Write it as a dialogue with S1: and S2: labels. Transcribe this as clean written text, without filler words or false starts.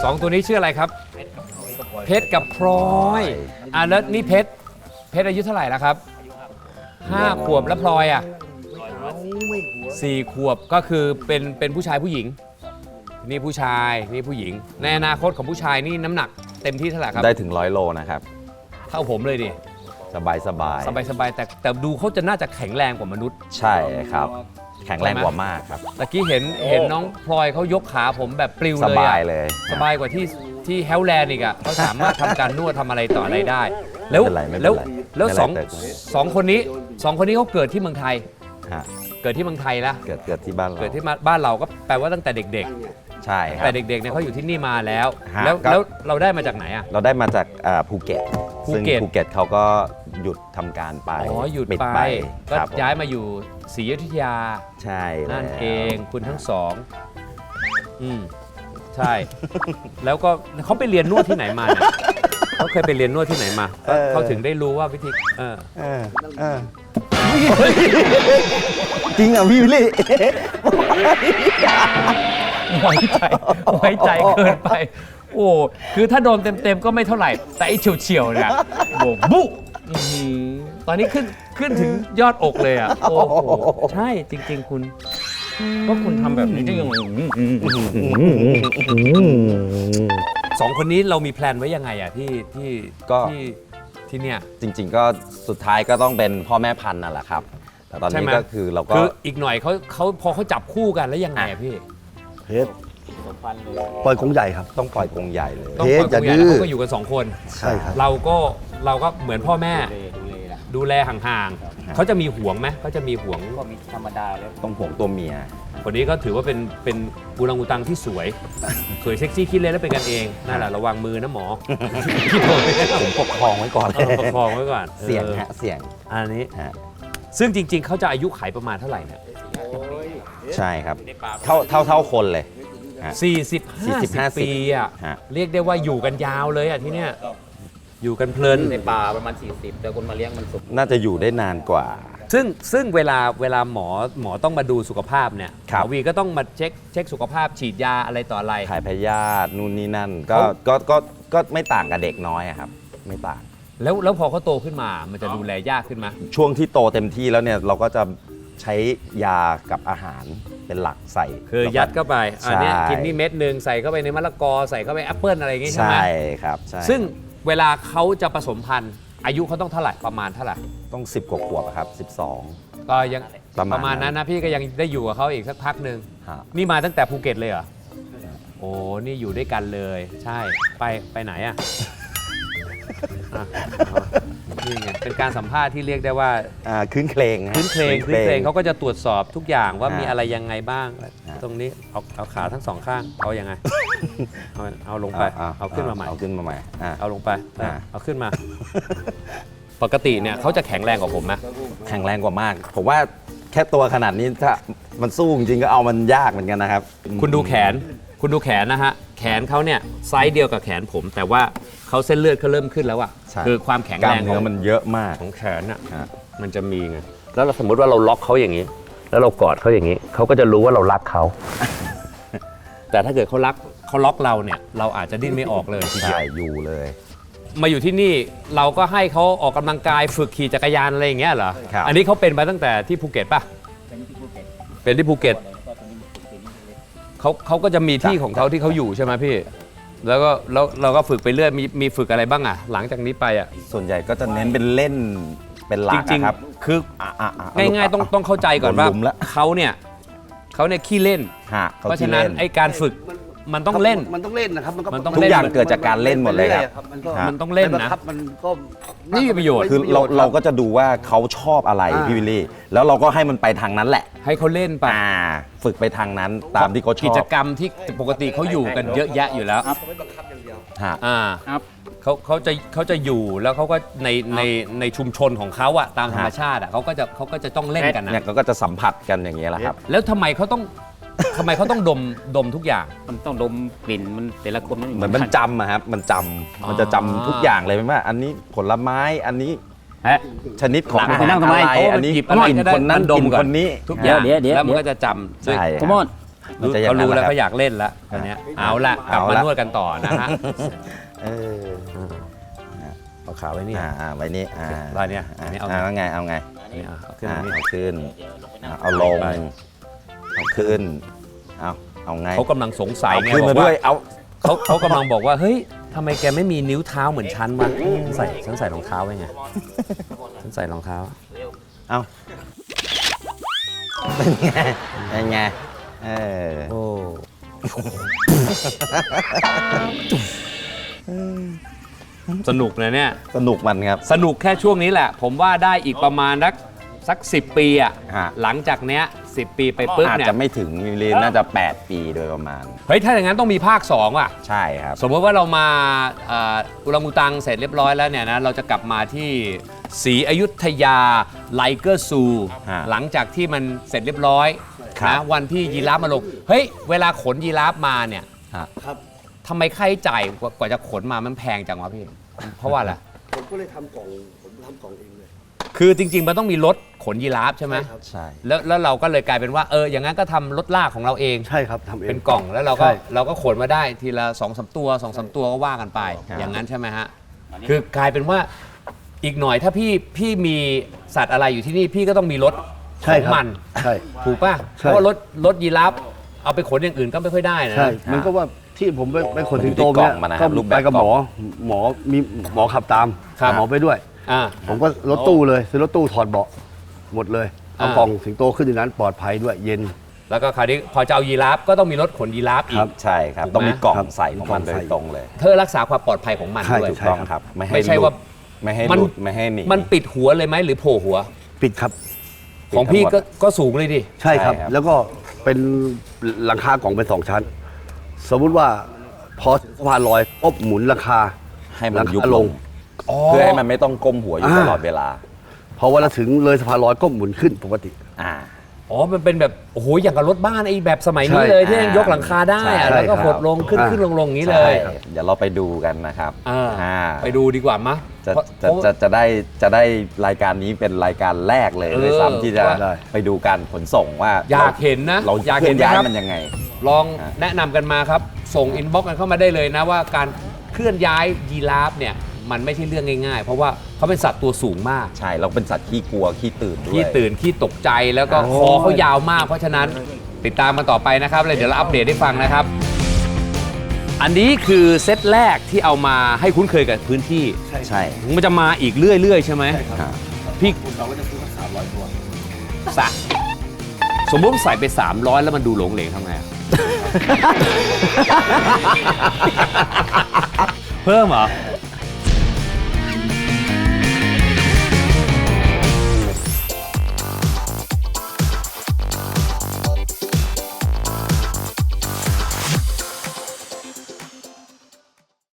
S1: 2 ตัวนี้ชื่ออะไรครับเพชรกับพลอยแล้วนี่เพชรอายุเท่าไหร่แล้วครับ5 ขวบแล้วพลอยอ่ะ4 ขวบก็คือเป็นผู้ชายผู้หญิงนี่ผู้ชายนี่ผู้หญิงในอนาคตของผู้ชายนี่น้ำหนักเต็มที่เท่าไหร่ครับ
S2: ได้ถึง100 โลนะครับ
S1: เท่าผมเลยดิ
S2: สบาย
S1: แต่ดูเขาจะน่าจะแข็งแรงกว่ามนุษย์
S2: ใช่ครับแข็งแรงกว่ามากครับ
S1: ตะกี้เห็นน้องพลอยเขายกขาผมแบบปลิวเลย
S2: สบายเลย
S1: สบายกว่าที่เฮลแลนด์อีกอ่ะเขาสามารถทำการนวดทำอะไรต่ออะไรได้แล้วสองคนนี้เขาเกิดที่เมืองไทยเกิดที่เมืองไทยแล้ว
S2: เกิดที่บ้านเรา
S1: เกิดที่บ้านเราก็แปลว่าตั้งแต่เด็ก
S2: ๆใช่ครับ
S1: แต่เด็กๆเนี่ยเขาอยู่ที่นี่มาแล้วเราได้มาจากไหนอ่ะ
S2: เราได้มาจากภูเก็ตซึ่งภูเก็ตเขาก็หยุดทำการไป
S1: หยุดไปก็ย้ายมาอยู่ศรีอยุธยา
S2: ใช่
S1: นั่นเองคุณทั้งสองใช่แล้วก็เขาไปเรียนนวดที่ไหนมาเนี่ยเขาเคยไปเรียนนวดที่ไหนมาเขาถึงได้รู้ว่าวิธี
S2: จริงอ่ะพี่วิลลี่
S1: ไว้ใจเกินไปโอ้คือถ้าโดนเต็มๆก็ไม่เท่าไหร่แต่ไอ้เฉียวๆเนี่ยโอ้บุ๊ตอนนี้ขึ้นถึงยอดอกเลยอ่ะโอ้โหใช่จริงๆคุณก็คุณทำแบบนี้ได้ยังไง2 คนนี้เรามีแพลนไว้ยังไงอ่ะที่เนี่ย
S2: จริงๆก็สุดท้ายก็ต้องเป็นพ่อแม่พันธุ์นั่นแหละครับแต่ตอนนี้ก็คือเราก็
S1: อีกหน่อยเขาพอเขาจับคู่กันแล้วยังไงพี่
S3: เพชรปล่อยกรงใหญ่ครับ
S2: ต้องปล่อยกรงใหญ่เลย
S1: เพชรจะดื้อเขาก็อยู่กัน2 คน
S3: ใช่ครับ
S1: เราก็เหมือนพ่อแม่ดูแลห่างๆเขาจะมีห่วงไหมเขาจะมีห่วง
S4: ก็มีธรรมดาเลย
S2: ต้องห่วงตัวเมีย
S1: คนนี้ก็ถือว่าเป็นอูรังอูตังที่สวยเซ็กซี่คิดเล่นแล้วเป็นกันเองนั่นแหละระวังมือนะหมอ
S2: ผมปกครองไว้ก่อน
S1: ปกครองไว้ก่อน
S2: เสี่ยงฮะเสี่ยง
S1: อันนี้ซึ่งจริงๆเขาจะอายุขัยประมาณเท่าไหร่เนี่ย
S2: ใช่ครับเท่าคนเลย
S1: 40-50 ปีอ่ะเรียกได้ว่าอยู่กันยาวเลยอ่ะที่เนี้ยอยู่กันเพลิน
S4: ในป่าประมาณ40แต่คนมาเลี้ยงมันสุก
S2: น่าจะอยู่ได้นานกว่า
S1: ซึ่งเวลาหมอต้องมาดูสุขภาพเนี่ยหมอวีก็ต้องมาเช็คสุขภาพฉีดยาอะไรต่ออะไร
S2: ถ่ายพยาธินู่นนี่นั่นก็ไม่ต่างกับเด็กน้อยครับไม่ต่าง
S1: แล้วพอเขาโตขึ้นมามันจะดูแลยากขึ้นไหม
S2: ช่วงที่โตเต็มที่แล้วเนี่ยเราก็จะใช้ยากับอาหารเป็นหลักใส่
S1: คือยัดเข้าไปอันนี้กินนี่เม็ดนึงใส่เข้าไปในมะละกอใส่เข้าไปแอปเปิ้ลอะไรอย่างงี้ใช่ไหม
S2: ใช่ครับใช่
S1: ซึ่งเวลาเขาจะผสมพันธุ์อายุเขาต้องเท่าไหร่ประมาณเท่าไหร่
S2: ต้อง10 กว่าขวบครับ12
S1: ก็ยังประมาณนั้นนะพี่ก็ยังได้อยู่กับเขาอีกสักพักหนึ่งนี่มาตั้งแต่ภูเก็ตเลยเหรอโอ้นี่อยู่ด้วยกันเลยใช่ไปไหนอ่ะนี่ไงเป็นการสัมภาษณ์ที่เรียกได้ว่า
S2: คืนเคลง
S1: เขาก็จะตรวจสอบทุกอย่างว่ามีอะไรยังไงบ้างตรงนี้เอาขาทั้ง2 ข้างเอายังไงเอาลงไปเอาขึ้นมาใหม่เอาลงไปเอาขึ้นมาปกติเนี่ยเขาจะแข็งแรงกว่าผมไหม
S2: แข็งแรงกว่ามากผมว่าแค่ตัวขนาดนี้ถ้ามันสู้จริงๆก็เอามันยากเหมือนกันนะครับ
S1: คุณดูแขนนะฮะแขนเขาเนี่ยไซส์เดียวกับแขนผมแต่ว่าเขาเส้นเลือดเขาเริ่มขึ้นแล้วอ่ะคือความแข็งแรงของ
S2: มันเยอะมาก
S1: ของแขนอ่ะมันจะมีไงแล้วเราสมมติว่าเราล็อกเขาอย่างนี้แล้วเรากอดเขาอย่างนี้เขาก็จะรู้ว่าเรารักเขาแต่ถ้าเกิดเขาล็อกเราเนี่ยเราอาจจะดิ้นไม่ออกเลยทีเดียว
S2: อยู่เลย
S1: มาอยู่ที่นี่เราก็ให้เขาออกกำลังกายฝึกขี่จักรยานอะไรอย่างเงี้ยเหรออันนี้เขาเป็นมาตั้งแต่ที่ภูเก็ตป่ะเป็นที่ภูเก็ตเขาก็จะมีที่ของเขาที่เขาอยู่ใช่ไหมพี่แล้วเราก็ฝึกไปเรื่อยมีฝึกอะไรบ้างอ่ะหลังจากนี้ไปอ่ะ
S2: ส่วนใหญ่ก็จะเน้นเป็นเล่นเป็นหลักนะครับ
S1: คือง่ายๆต้องเข้าใจก่อนว่าเขาเนี่ยขี้เล่นเพราะฉะนั้นไอ้การฝึกมันต้องเล่น
S3: นะครับ
S2: ทุกอย่างเกิดจากการเล่นหมดเลยครับ
S1: มันต้องเล่นนะ
S3: มันก็
S1: นี่มีประโยชน์
S2: คือเราก็จะดูว่าเขาชอบอะไรพี่วิลลี่แล้วเราก็ให้มันไปทางนั้นแหละ
S1: ให้เขาเล่นไป
S2: ฝึกไปทางนั้นตามที่เขาชอบ
S1: กิจกรรมที่ปกติเขาอยู่กันเยอะแยะอยู่แล้วเขาจะอยู่แล้วเขาก็ในชุมชนของเขาอะตามธรรมชาติอะเขาก็จะต้องเล่นกันนะ
S2: เขาก็จะสัมผัสกันอย่างเงี้ยแหละครับ
S1: แล้วทำไมเขาต้องดมทุกอย่าง
S4: มันต้องดมกลิ่นมันแต่ละคน
S2: เหมือนมันจำอะครับมันจะจำทุกอย่างเลยไหมว่าอันนี้ผลไม้อันนี้ชนิดของ
S4: อาหารอะไร
S2: อันนี้กินคนนั้นกินคนนี้
S1: ทุกอย่างแล้วมันก็จะจำ
S4: สมมติ
S2: มันจะอย่าง
S1: เขา
S2: นั้น
S1: รู้
S2: แห
S1: แล้ว
S2: ละครับ
S1: เขาอยากเล่นแล้วตอนเนี้ยเอาละกลับ
S2: เอา
S1: มา
S2: ละ
S1: นวดกันต่อนะฮะ
S2: เออ
S1: เอาขาไว้นี่
S2: ไว้นี่
S1: รอยเนี้ยอันนี้เอา
S2: แล้วไงเอาไง
S1: นี่เอาขึ้นมานี่
S2: เอาขึ้นเอาลง
S1: ไป
S2: เอาขึ้นเอาไง
S1: เขากำลังสงสัย
S2: เอา
S1: ไง
S2: ขึ้น
S1: บอ
S2: มาก ด้
S1: ว่า
S2: วยเอา
S1: เขากำลังบอกว่าเฮ้ยทำไมแกไม่มีนิ้วเท้าเหมือนฉันวะฉันใส่รองเท้าไว้ไงฉันใส่รองเท้า
S2: เอาเป็นไงเป็นไง
S1: โอ้ สนุกนะเนี่ย
S2: สนุกมันครับ
S1: สนุกแค่ช่วงนี้แหละ ผมว่าได้อีกประมาณสัก10 ปีอ่ะ
S2: ฮะ
S1: หลังจากเนี้ย10 ปีไปปุ๊บ
S2: อาจ
S1: เนี่ย
S2: จะไม่ถึงมิลลิน่าจะ 8 ปีโดยประมาณ
S1: เฮ้ยถ้าอย่างนั้นต้องมีภาค2ว่ะ
S2: ใช่ครับ
S1: สมมติว่าเรามาอุรังอุตังเสร็จเรียบร้อยแล้วเนี่ยนะเราจะกลับมาที่ศรีอยุธยาไลเกอร์ซู
S2: ฮะ
S1: หลังจากที่มันเสร็จเรียบร้อย
S2: ครับ
S1: นะวันที่ยีราฟมาลงเฮ้ยเวลาขนยีราฟมาเนี่ย
S3: ครับ
S1: ทำไมค่าใช้จ่ายกว่าจะขนมามันแพงจังวะพี่ เพราะว่าอะไร
S3: ผมก็เลยทำกล่องผมทำกล่องเองเลย
S1: คือจริง ๆ มันต้องมีรถขนยีราฟใช่ไหม
S3: ครับ
S2: ใช่
S1: แล้วเราก็เลยกลายเป็นว่าอย่างนั้นก็ทำรถลากของเราเอง
S3: ใช่ครับทำเอง
S1: เป็นกล่องแล้วเรา
S3: ใช่
S1: ก็ขนมาได้ทีละ2-3 ตัว2-3 ตัวก็ว่ากันไป
S2: ครับ
S1: อย่างนั้นใช่ไหมฮะคือกลายเป็นว่าอีกหน่อยถ้าพี่มีสัตว์อะไรอยู่ที่นี่พี่ก็ต้องมีรถข
S3: ใช่
S1: อง
S3: ครับ
S1: มัน
S3: ใช่
S1: ถูกป่ะ
S3: ใช่
S1: เพราะว่ารถยีราฟเอาไปขนอย่างอื่นก็ไม่ค่อยได้นะ
S3: ใช่ มันก็ว่าที่ผมไปขนสิงโต
S2: อยู่ที่กล่
S3: เนี่
S2: อย งมันนะค
S3: ก็
S2: รับรูปแบบ
S3: ไปกับ
S2: กล่
S3: ห
S2: อง
S3: มอมีหมอขับตาม
S1: ครับ
S3: หมอไปด้วย
S1: อ่า
S3: ผมก็รถตู้เลยซื้อรถตู้ถอดเบาะหมดเลยเอา
S1: อ่าก
S3: ล่องสิงโตขึ้นในนั้นปลอดภัยด้วยเย็น
S1: แล้วก็คราวนี้พอจะเอายีราฟก็ต้องมีรถขนยีราฟอี
S3: ครั
S1: ก
S3: บ
S2: ใช่ครับ
S1: ถูกไหม
S2: ต้องมีกล่อง
S3: ครับ
S2: ใส่ของมัน
S3: มีกล่อง
S2: โด
S3: ใส่
S2: ยตรงเลย
S1: เพื่อรักษาความปลอดภัยของมัน
S3: ใช่
S1: ด้วย
S2: ถูกต้องครับ
S1: ไม่ใช่ว่า
S2: ไม่ให้
S1: มัน
S2: หลุดไม่ให้หนี
S1: มันปิดหัวเลยไหมหรือโผล่หัว
S3: ปิดครับ
S1: ของพี่ก็สูงเลยดิ
S3: ใช่ครับ
S2: ใช่ครับ
S3: แล้วก็เป็นหลังคากล่องเป็น2 ชั้น สมมุติว่าพอถึงสะพานลอยปุ๊บหมุนหลังคา
S2: ให้มันยุบ
S3: หลังคา
S2: ล
S3: ล
S2: ง
S3: ง
S2: เพื่อให้มันไม่ต้องก้มหัวอยู่ตลอดเวลา
S3: พอเวลาถึงเลยสะพานลอยก็หมุนขึ้นปกติ
S2: อ่า
S1: อ๋อ มันเป็นแบบ โอ้โห อย่างกับรถบ้านไอ้แบบสมัยนี้
S3: ใช่
S1: เลยที่ยังยกหลังคาได้
S2: ใช่
S1: อะแล้วก็
S3: ครับ
S1: หดลงขึ้น
S3: อ่า
S1: ขึ้นลงลงอย่างนี้เล
S2: ใช่
S1: ย
S2: เดี๋ยวเราไปดูกันนะครับ
S1: ไปดูดีกว่ามะ
S2: จะ
S1: เพราะ
S2: จะจะจะได้รายการนี้เป็นรายการแรกเลยด้วยซ้ำที่จะ
S3: ได้
S2: ไปดูการขนส่งว่า
S1: อยากเห็นนะ
S2: เรา
S1: อยาก
S2: เคลื่
S1: เห็
S2: อน นย้าย
S1: นะครับ
S2: มันยังไง
S1: ลอง
S2: อ่า
S1: แนะนำกันมาครับ ส่งอินบ็อกซ์กันเข้ามาได้เลยนะว่าการเคลื่อนย้ายยีราฟเนี่ย มันไม่ใช่เรื่องง่ายๆ เพราะว่าเขาเป็นสัตว์ตัวสูงมาก
S2: ใช่เราเป็นสัตว์ขี้กลัวขี้ตื่นด้วย
S1: ขี้ตื่นขี้ตกใจแล้วก็
S3: โอ้
S1: คอเขายาวมาก เพราะฉะนั้นติดตามมันต่อไปนะครับเลยเดี๋ยวเราอัปเดตให้ฟังนะครับ อันนี้คือเซตแรกที่เอามาให้คุ้นเคยกับพื้นที่
S2: ใช่
S1: มันจะมาอีกเรื่อยๆใช่ไหม
S2: ครับ
S1: พี่
S3: เราก็จะซื้อสัก300 ตัว
S1: สะสมมติใส่ไป 300 แล้วมันดูหลงเหลงทำไงอะ เพิ่มเหรอ